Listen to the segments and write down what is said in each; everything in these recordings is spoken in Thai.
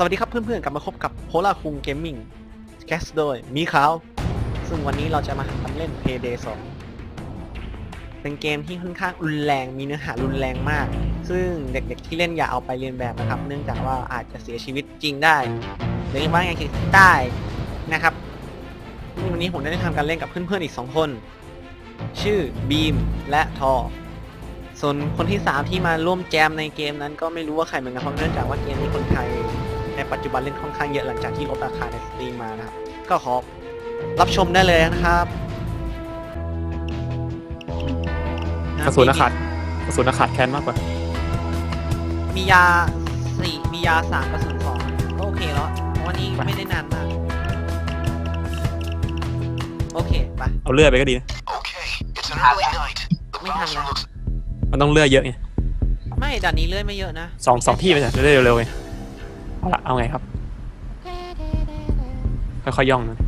วัสดีครับเพื่อนๆกลับมาพบกับโพลาคุงเกมมิ่งแคสโดยมีขาวซึ่งวันนี้เราจะมาทำเล่น Payday 2เป็นเกมที่ค่อนข้างรุนแรงมีเนื้อหารุนแรงมากซึ่งเด็กๆที่เล่นอย่าเอาไปเรียนแบบนะครับเนื่องจากว่าอาจจะเสียชีวิตจริงได้หรือว่าไงคือได้นะครับวันนี้ผมได้ทำการเล่นกับเพื่อนๆอีก2คนชื่อบีมและทอส่วนคนที่3ที่มาร่วมแจมในเกมนั้นก็ไม่รู้ว่าใครเหมือนกันเพราะเนื่องจากว่าเกมนี้คนไทยในปัจจุบันเล่นค่อนข้างเยอะหลังจากที่ลดราคาในสตรีมมานะครับก็ขอรับชมได้เลยนะครับกระสุนขาดแค้นมากกว่ามียา4มียา3กระสุน2ก็โอเคแล้ววันนี้ไม่ได้นานมากโอเคไปเอาเลือดไปก็ดีนะไม่ทันแล้วมันต้องเลือดเยอะไงไม่ด่านนี้เลื่อยไม่เยอะนะสองที่ไปจะได้เร็วๆไงเอาไงครับค่อยๆย่องนะ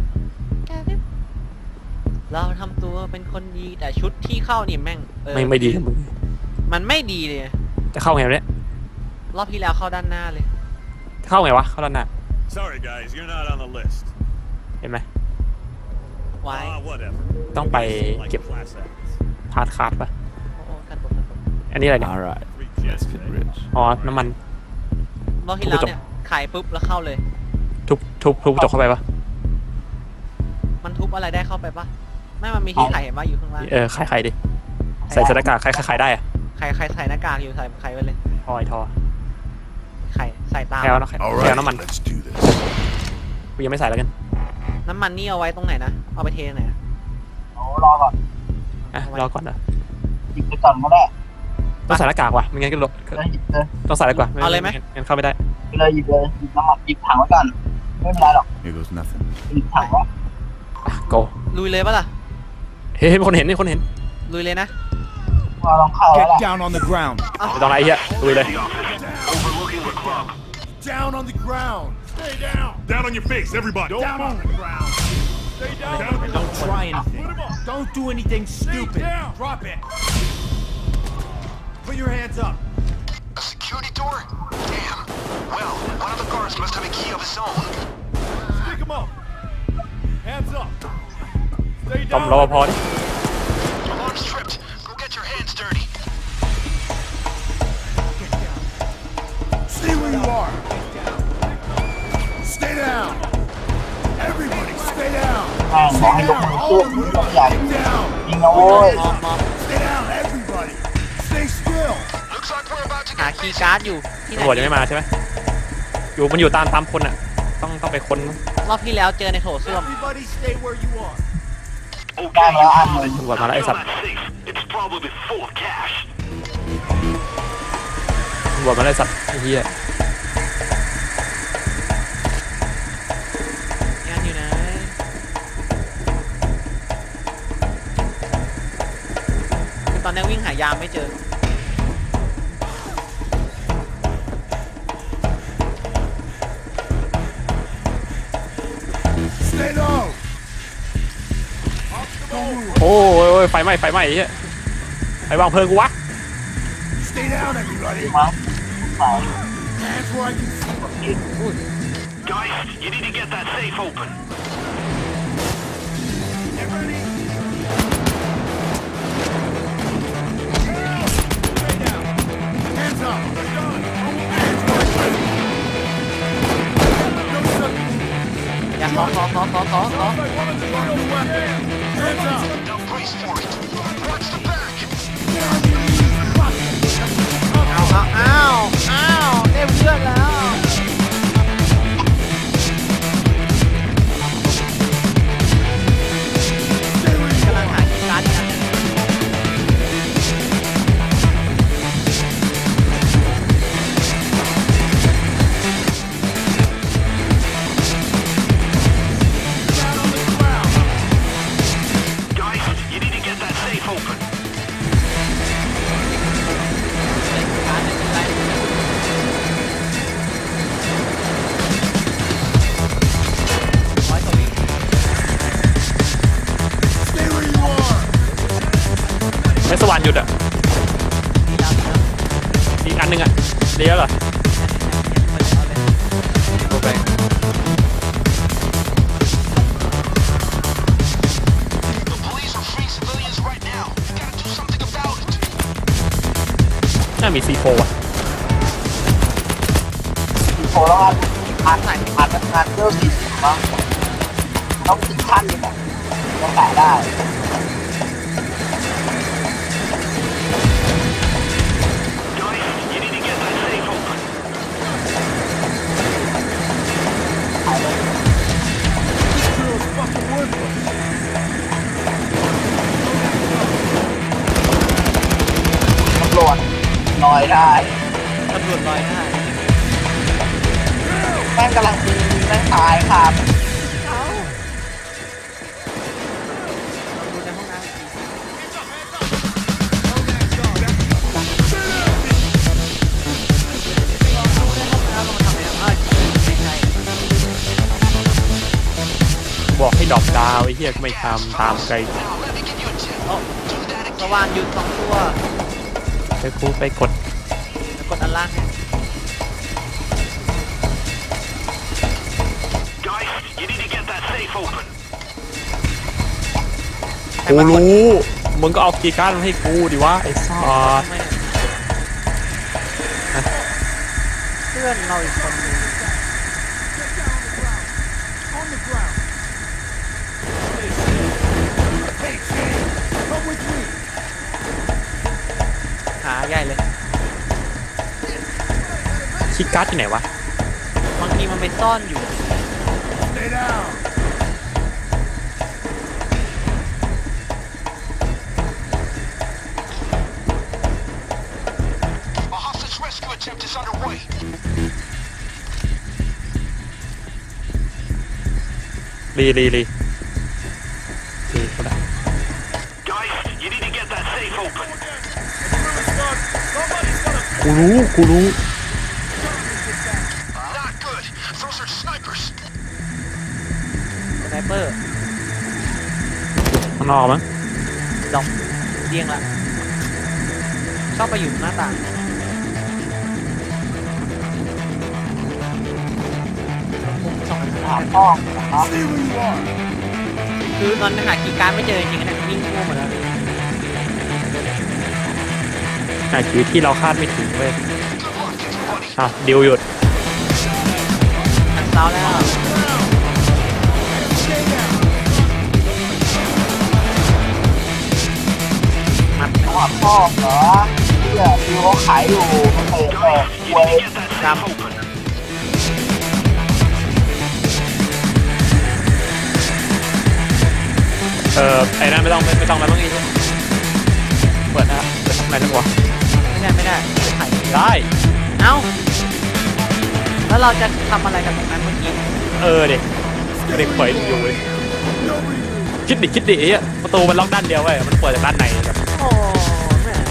เราทำตัวเป็นคนดีแต่ชุดที่เข้านี่แม่งไม่ดีมึงมันไม่ดีเลยจะเข้าไงเนี่ยรอบที่แล้วเข้าด้านหน้าเลยเข้าไงวะเข้าด้านหน้า Sorry guys, you're not on the list. เห็นไหมไว้ต้องไปเก็บพาร์ทคาร์ดปะอันนี้อะไรเนี่ยอ๋อน้ำมันรอบที่แล้วเนี่ยขายปุ๊บแล้วเข้าเลยทุบจบเข้าไปปะมันทุบอะไรได้เข้าไปปะไม่มันมีที่ขายเห็นว่าอยู่ข้างล่างขายดิใส่หน้ากากใครได้อะใครใส่หน้ากากอยู่ใส่ใครไว้เลยทอใครใส่ตาแถวน้ำมันกูยังไม่ใส่แล้วกันน้ำมันนี่เอาไว้ตรงไหนนะเอาไปเทไหนรอก่อนรอก่อนนะหยิบไปก่อนก็ได้ต้องใส่หน้ากากว่ะไม่งั้นก็ลดต้องใส่แล้วกว่าเอาเลยไหมงั้นเข้าไม่ได้เลยหยิบน้ำมันหยิบถังไว้ก่อนไม่เป็นไรหรอกหยิบถังไว้โกลุยเลยปะล่ะเฮ้ยคนเห็นลุยเลยนะว่าลองเข้าแล้ว Down on the ground. ไม่ต้องอะไรเหี้ยลุยเลย Down on the ground. Stay down. Down on your face, everybody. Down on the ground. Stay down. Don't try anything. Don't do anything stupid. Drop it. Put your hands up. A security door? Damn. Well, one of the guards must have a key of his own. Stick him up. Hands up. Stay ต้อ down. มรอพอดิ Alarm's tripped. Go get your hands dirty. Stay where you are. Stay down. Everybody, stay down. บอกให้ยกมือขึ้นยกใหญ่ยิงนะโว้ย Stay down, everybody. Stay still. Looks like we're about to หา get คีย์การ์ดอยู่ที่ไหนตำรวจยังไม่มาใช่ไหมมันอยู่ตามคนอ่ะต้องไปค้นรอบที่แล้วเจอในโถส้วม Everybody stay where you are. ได้แล้วอันหนึ่งตำรวจมาแล้วไอ้สัตว์ It's probably full of cash. ตำรวจมาแล้วไอ้สัตว์ไอ้เหี้ยงานอยู่ไหนตอนนี้วิ่งหายามไม่เจอโอ้ยไฟไหม้ไอ้เหี้ยไฟวางเพลิงกูวะ Stay down, everybody. มาสาย Hands where I can see. Guys, you need to get that safe open. Get ready. Stay down. Hands up. Hands where I can see. อย่าขอ Like one of the weapon. Hands up. Now brace for it. Watch the back. อ้าวได้เพื่อนแล้วกำลังหาคีย์การ์ดอยู่นะ Guys, you need to get that safe open. ไม่สว่านหยุดอ่ะอีกอันนึงอ่ะเลี้ยวเหรอมี C4 อ่ะโผล่แล้วอัดเรื่อง40มั้งต้องถึงขั้นเลยแบบต้องแตะได้ You need to get that safe open. ตำรวจลอยได้ตำรวจลอยได้แม่งกำลังยิงแม่งตายครับเราดูในห้องน้ำอีกทีไม่ใช่บอกให้ดรอปดาวไอ้เหี้ยก็ไม่ทำตามไกล Now, let me give you a tip. โอ้ Do that ส again. ว่านหยุดสองตัวไปกูไปกดแล้วกดอันล่างเนี่ย Guys, you need to get that safe open. กูรู้มึงก็เอาคีย์การ์ดมาให้กูดิวะไอ้สัสทำไมเพื่อนเราอีกคนนึง On the ground. Hey, Jay, come with me. หาใหญ่เลยคีย์การ์ดที่ไหนวะบางทีมันไปซ่อนอยู่ Stay down. A hostage rescue attempt is underway. รีก็ได้ Guys, you need to get that safe open. กูรู้ Not good. Those are snipers. สไนเปอร์ข้างนอกมั้งดอกเดียงละชอบไปอยู่หน้าต่างสองถามพ่อนะครับ See who you are. คือตอนหาคีย์การ์ดไม่เจอจริงๆนะวิ่งทั่วหมดแล้วแต่ชีวิตที่เราคาดไม่ถึงเว้ย Good luck, everybody. อ่ะดิวหยุดทางเท้าแล้ว มัดถามพ่อเหรอที่ดูเขาขายอยู่มันเปิดเปิด You เว้ย need to get that safe open. ไอ้นั่นไม่ต้องแล้วต้องอีกเปิดนะเปิดทำอะไรนะวะไม่ได้ไข่ได้เอ้า แล้วเราจะทำอะไรกันตรงนั้นเมื่อกี้เด็กเปิดอยู่เว้ยคิดดิไอ้เหี้ยประตูมันล็อกด้านเดียวเว้ยมันเปิดจากด้านในครับโอ้แม่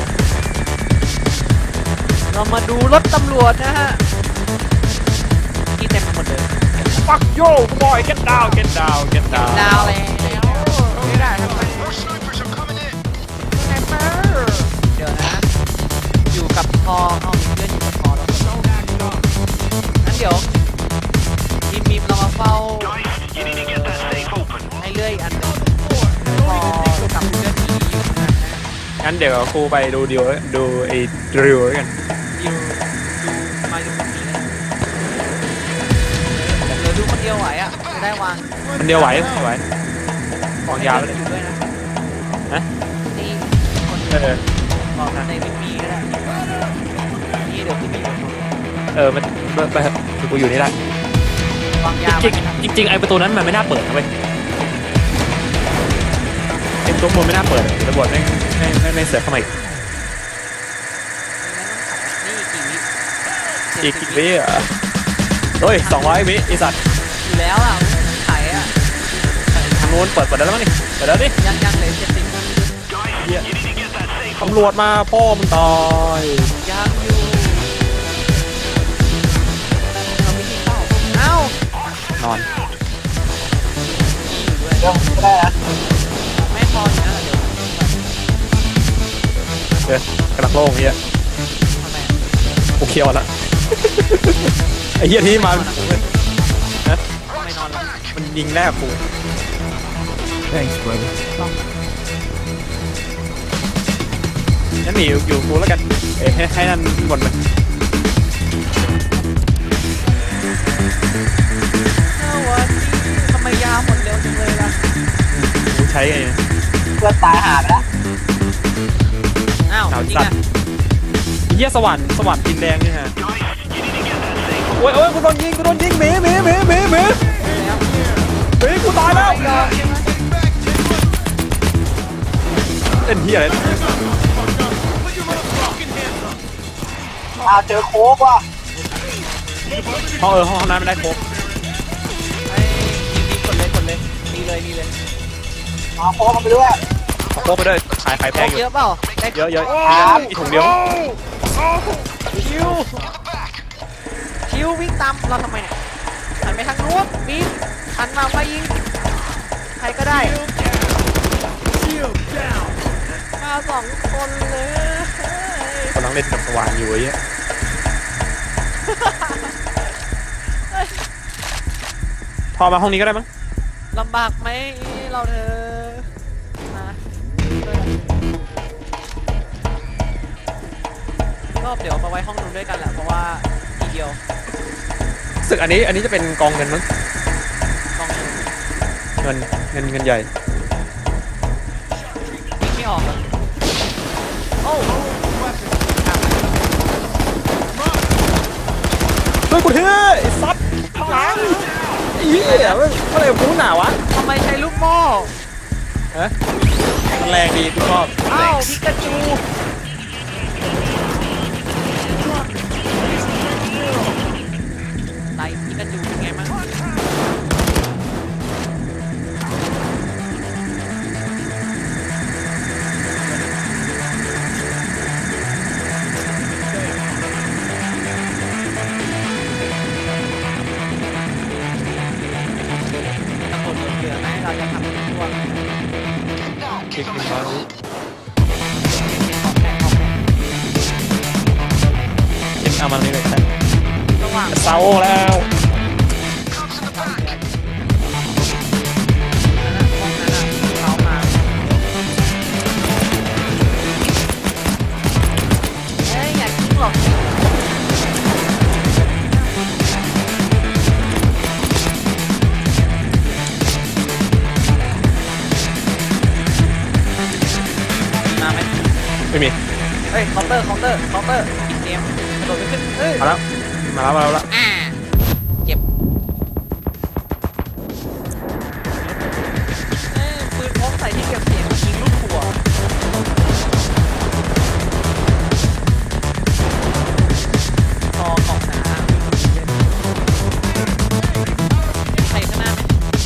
เรามาดูรถตำรวจนะฮะ ที่เต็มไปหมดเลย fuck yo boy get down ดาวเลยไม่ได้ทำไม More snipers are coming in. สไนเปอร์เดี๋ยวนะ อยู่กับพอเอามีเพื่อนอยู่กับพอแล้วงั้นเดี๋ยวมีมเรามาเฝ้า Guys, you need to get that safe open. ให้เลื่อยอันหนึงพอกับเพื่อนที่อยู่นะงั้นเดี๋ยวกูไปดูไอ้ดิวแล้วกันดิวมาดูคนนี้นะเหลือดูคนเดียวไหวอ่ะจะได้วางมันเดียวไหววางยาวเลเลย ยอยู่ด้วยนะฮะนี่คนเบอกในวิปีก็ได้นี่เดี๋ยวพี่มีคนมันไปเถอะกูอยู่นี่ได้วางยาจริงไอ้ประตูนั้นมันไม่น่าเปิดนะเว้ยไอ้ประตูมันไม่น่าเปิดตำรวจไม่เสือกเข้ามาอีกนี่กี่วิอีกวิอ่ะเฮ้ย200วิไอ้สัตว์อยู่แล้วอ่ะไข่อ่ะทางโน้นเปิดได้แล้วมั้งนี่เปิดแล้วดิยังเหลือ70 Guys, you need to get that safe ตำรวจมาพ่อมึงตายยังอยู่เราไม่ที่เข้าเอ้านอนอยู่ด้วยเรื่องก็ได้นะไม่พออยู่นะเดี๋ยวกระดักโล่งเฮียทำไมกูเคียวละไอ้เฮียที่มาทำไมนอนแล้วมันยิงแรกกู Thanks, brother. งั้นหนีอยู่กูแล้วกันให้นั่นหมดเลยวันนี้ทำไมยาหมดเร็วจังเลยล่ะกูใช้ไงเนี่ยเพื่อนตายหาไปแล้วอ้าวเอาจริงสัตอ่ะว์เหี้ยสวรรค์ดินแดงนี่ฮะโอ้ยกูโดนยิงหมีกูตายแล้วเล่นเหี้ยอะไรเจอโค้กว่ะห้องน้ำไม่ได้โคกไอ้นี่กดเลยมีเลยเอาโค้กมาไปด้วยเอาโคกไปด้วยขายแพโคงกอยู่เยอะเปล่าได้เยอะครับอีถุงเดียวคิววิ่งตามเราทำไมเนี่ยหันไปทางนู้นบีมหันมายิงใครก็ได้ Shield down. มา2 คนเลยกำลังเล่นกับสว่านอยู่ไอ้เหี้ยพอมาห้องนี้ก็ได้มั้งลำบากไหมเราเธอนะก็เดี๋ยวมาไว้ห้องนู้นด้วยกันแหละเพราะว่าทีเดียวสึกอันนี้จะเป็นกองเงินมั้งกองนึงเงินใหญ่วิ่งไม่ออกเลยโอ้ช่วยกูเถอะไอ้ซับหลังไอ้เหี้ยเมื่อไหร่กูหนาวะทำไมใช้ลูกโม่ฮะมันแรงดีกูชอบอ้าวพิกาจูไตพิกาจูเป็นไงบ้างตำรวจเหลือไหมเราจะทำเป็นช่วงคลิกมันน้อยเอ็นเอามันนี่เลยใช่ระหว่างเซาแล้วห้องนั้นเขามาเอ้ยอยากกินหรอกมาไหมไม่มีเฮ้ยเคาน์เตอร์ปิดเกมกระโดดไปขึ้นเฮ้ยมาแล้วละเจ็บปืนพกใส่ที่เก็บเสียงยิงลูกหัวคอกล่องน้ำใส่ข้างหน้าไหม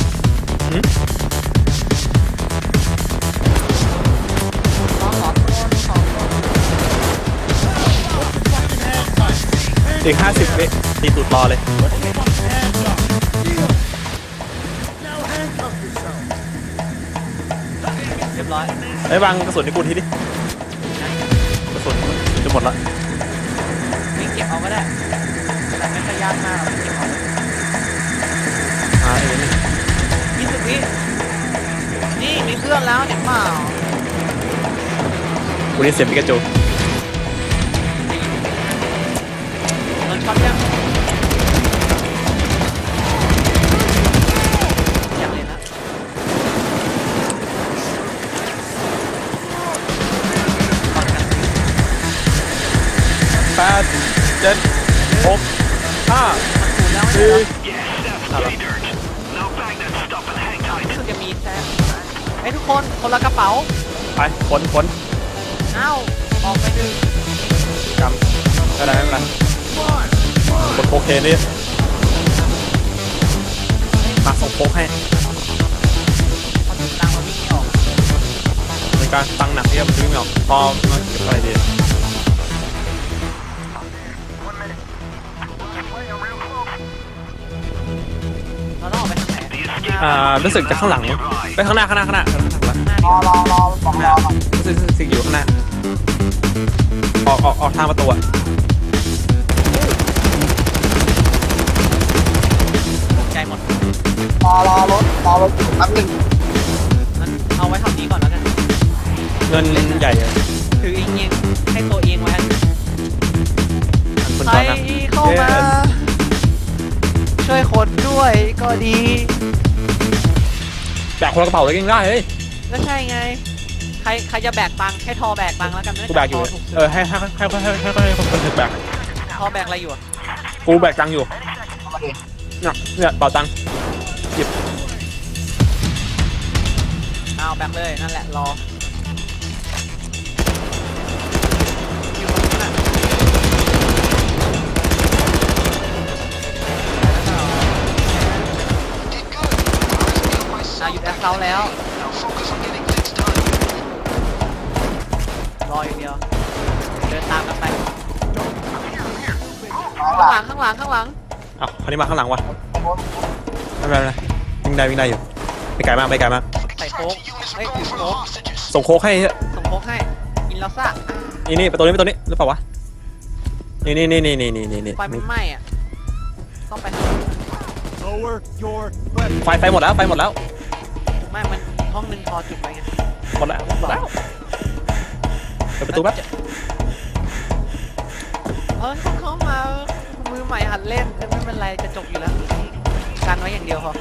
ขอโทษอีก50 วิตีตูดรอเลย Now handcuff yourself. เรียบร้อยไอ้ยวางกระสุนให้กูทีดิกระสุนจะหมดละวิ่งเก็บเอาก็ได้แต่ไม่ค่อยยากมากเราวิ่งเก็บเอาไอ้นี่ 20 วินี่มีเพื่อนแล้วเห็นเปล่ากูได้เสียงปิกาจูโดนช็อตยังอยากเล่นนะ 8 7 6 5 มันถูกแล้วไม่ใช่เหรอ 4 Now bag that stuff and hang tight. รู้สึกจะมีแซมไอ้ยทุกคนคนละกระเป๋าไปขนอ้าวออกไปดึงกำไม่เป็นไรกดโอเคนี่มาส่งโค้กให้พอถึงตังค์มันวิ่งไม่ออกเป็นการตังหนักที่มันวิ่งไม่ออกพอมาเก็บอะไรดีเราต้องออกไปทางไหนรู้สึกจะข้างหลังไปข้างหน้าหน้ารดีอบอกรอก่อนรู้สึกอยู่ข้างหน้าออกทางประตูอะตกใจหมดรอรถอยู่แป๊บนึงงั้นเอาไว้เท่านี้ก่อนแล้วกันเงินใหญ่อะถือเองใครเข้ามา ช่วยคนด้วยก็ดีแบกคนละกระเป๋าเลยยังได้เฮ้ยก็ใช่ไง ใครจะแบกตังค์ให้ทอแบกตังค์แล้วกันนะกูแบกอยู่ทถูกให้คนอื่นแบกทอแบกอะไรอยู่อะกูแบกตังค์อยู่เข้ามาดิเนี่ยเป๋าตังค์เอาแบกเลยนั่นแหละรออยู่ตรงนั้นน่ะ Did good. I was able อ่ะ myself หยุดแอ back คเคา in the แล้ว day. Now focus on getting things done. รออย่างเดียวเดินตามกันไปข้างหข้างลัหงลังข้างหลังข้างหลังอ้าวคันนี้มาข้างหลังวะโน้นไม่เป็นไรวิ่งได้อยู่ไปไกลมากไปไกลมากใส่โค้ก Units เฮ้ย are ถื going อ for โค้ the ก hostages. ส่งโค้กให้ส่งโค้กให้กินแล้วซ่านี่ประตูนี้หรือเปล่าวะนี่ไฟมันไหม้อ่ะต้องไปทาง Lower your weapon. ไฟหมดแล้วไม่มันห้องหนึ่งพอจุดไว้ไงเปิดประตูแป๊บเข้ามามือใหม่หัดเล่นไม่เป็นไรจะจบอยู่แล้วกันไว้อย่างเดียวพอ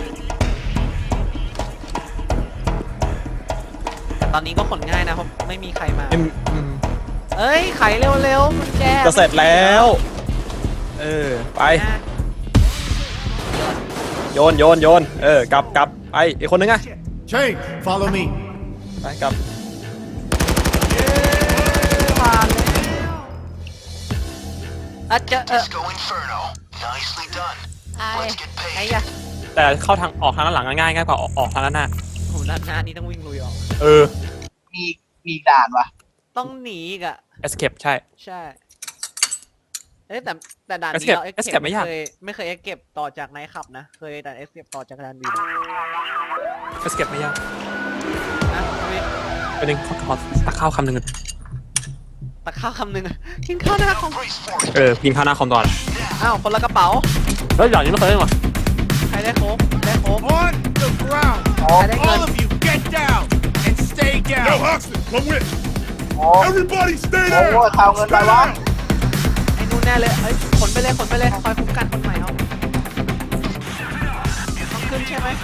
แต่ตอนนี้ก็ขนง่ายนะเพราะไม่มีใครมา เอ้ยไขเร็วๆมันแจจะเสร็จแล้วไปนะโยนกลับไปอีกคนนึงอะ Change. Follow me. ไปกลับผ่านแล้วอาจจะ Disco Inferno. Nicely done. ไอ้ Let's get ไอ้ paid. ยะแต่เข้าทางออกทางด้านหลังง่ายกว่าออกทางด้านหน้าโหด้านหน้านี่ต้องวิ่งลุยออกมีอีกด่านวะต้องหนีอีกอ่ะ escape ใช่ใช่เอ้ยแต่ด่านนี้ Escape เรา Escape ไม่ยากไม่เคย escape ต่อจากไนท์ขับนะ เคยแต่ escape ต่อจากด่านบิน escape ไม่ยากนะวิเป็นหนึ่งขอตักข้าวคำหนึ่งตักข้าวคำหนึ่งอะกินข้าวหน้าคอม Brace for it. กินข้าวหน้าคอมก่อนอ้าวคนละกระเป๋าเฮ้ยอย่างนี้ไม่เคยเล่นว่ะใครได้โค้กได้โค้ก On the ground. โอ้ใครได้เงิน All of you, get down and stay down. Hoxton, come with. โอ้ Everybody stay โอ้โหเอาเงินไปวะไอ้นู่นแน่เลยเอ้ยขนไปเลยคอยคุ้มกันคนใหม่เอาต้องขึ้นใช่ไหม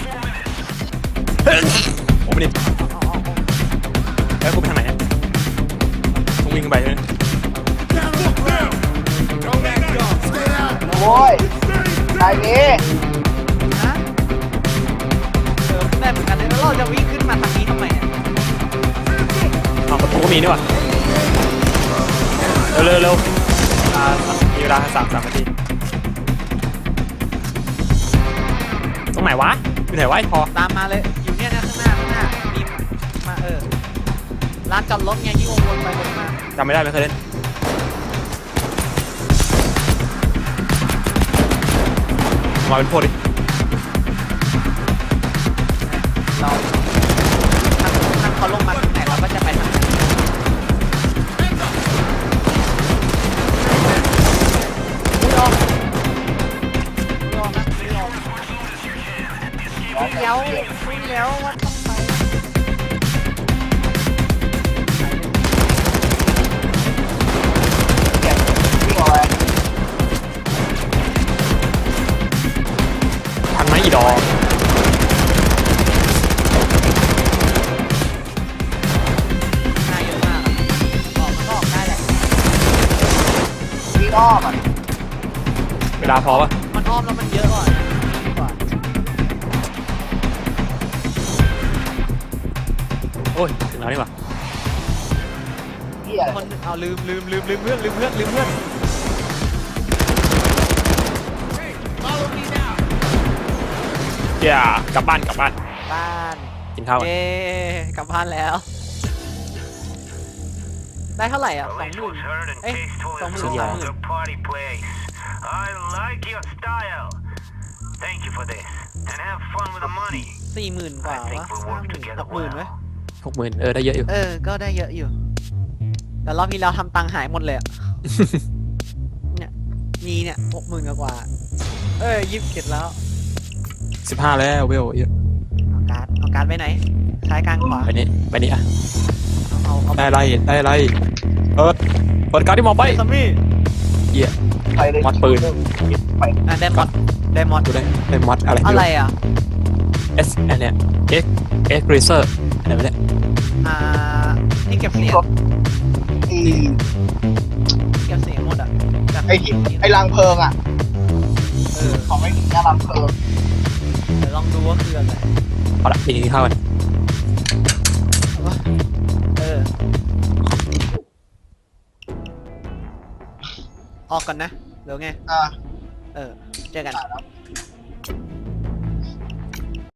ผมไม่ได้เอาแล้วกูไปทางไหนอะต้องวิ่งไปใช่ไหม Down on the ground. Don't back up. Stay down. โอ้ยไอ้นี้ฮะได้เหมือนกันเลยแล้วเราจะวิ่งขึ้นมาทางนี้ทำไมเนี่ยอ้าวประตูก็มีนี่หว่าเร็วมีเวลา3 นาทีตรงไหนวะอยู่ไหนวะไอ้พอตามมาเลยอยู่เนี่ยนะข้างหน้ามีมาร้านจอดรถไงที่วนไปวนมาจำไม่ได้ไม่เคยเล่นมาเป็นพวกดิเราถ้าเขาลงมาทางไหนเราก็จะไปทางนั้นไม่ลองนะไม่ลองเดี๋ยวว่าต้องไปเก็บวิ่งออกไปทันไหมอีดอกหน้าเยอะมากออกมันก็ออกได้แหละวิ่งอ้อมอ่ะเวลาพอปะมันอ้อมแล้วมันเยอะกว่านะดีกว่าโอ้ยถึงแล้วนี่หว่าเฮียคนหนึ่งเอาลืมเพื่อน Follow me now. กลับบ้านบ้านกินข้าวกันเย้กลับบ้านแล้ว ได้เท่าไหร่อ่ะ20,000เอ้ย20,000 The party place. I like your style. Thank you for this. And have fun with the money. 40,000 กว่าวะ60,000ไหม 60,000ได้เยอะอยู่ก็ได้เยอะอยู่ แต่รอบที่แล้วทำตังค์หายหมดเลยอะ เนี่ยมีเนี่ย 60,000 กว่า27แล้ว 15แล้วเวลเยอะเอาการ์ดไปไหนซ้ายกลางขวาไปนี่อ่ะเอาได้ไรเปิดการ์ดที่มองไปซัมมี่เหี้ยไปเลยมอดปืนไปอ่ะได้มอดได้มอดดูได้มอดอะไรอะไรอ่ะ S อันเนี้ย X Racer อะไรวะเนี่ยที่เก็บเสียงรถไอ้เก็บเสียงหมดอ่ะแบบไอ้ที่ไอ้รังเพลิงอ่ะเออของไม่มีแค่รังเพลิงเดี๋ยวลองดูว่าคืออะไรเอาละปีนี้เข้ากันเออออกก่อนนะเดี๋ยวไงอ่าเออเจอกันแล้ว